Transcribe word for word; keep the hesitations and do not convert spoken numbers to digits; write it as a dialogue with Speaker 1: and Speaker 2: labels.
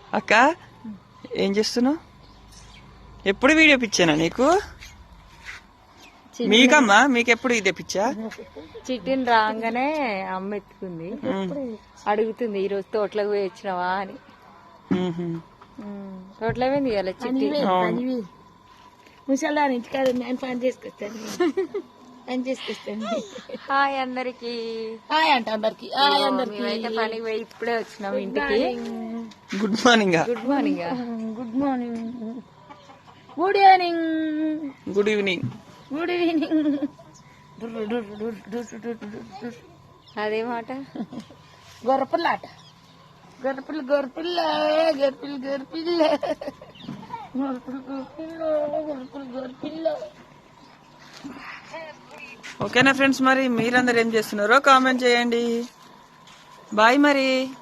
Speaker 1: అక్క ఏం చేస్తున్నావు? ఎప్పుడు వీడియో పిచ్చానా నీకు? మీకమ్మా మీకెప్పుడు ఇదే పిచ్చా?
Speaker 2: చిట్టిని రాగానే అమ్మ ఎత్తుకుంది, అడుగుతుంది ఈ రోజు తోటలోకి పోయి వచ్చినావా అని. తోటలో పోయింది ఇవాళ చిట్టి.
Speaker 3: ముసలాని ఇంటికాడ నేను పని చేసుకొస్తాను పని చేసుకొస్తాను.
Speaker 2: హాయ్ అందరికి.
Speaker 3: హాయ్ అంట అందరికి. హాయ్ అందరికి.
Speaker 2: అయితే పనికి పోయి ఇప్పుడే వచ్చినాం ఇంటికి.
Speaker 1: Good morning.
Speaker 2: Good morning.
Speaker 3: Good morning. Good evening.
Speaker 1: Good evening.
Speaker 3: Good evening.
Speaker 2: అదే మాట.
Speaker 3: గొర్రెపిల్ల ఆట. గొర్రెపిల్ల గొర్రెపిల్ల గొర్రెపిల్ల గొర్రెపిల్ల గొర్రెపిల్ల గొర్రెపిల్ల గొర్రెపిల్ల.
Speaker 1: ఓకేనా ఫ్రెండ్స్, మరి మీరందరూ ఏం చేస్తున్నారో కామెంట్ చేయండి. బాయ్ మరి.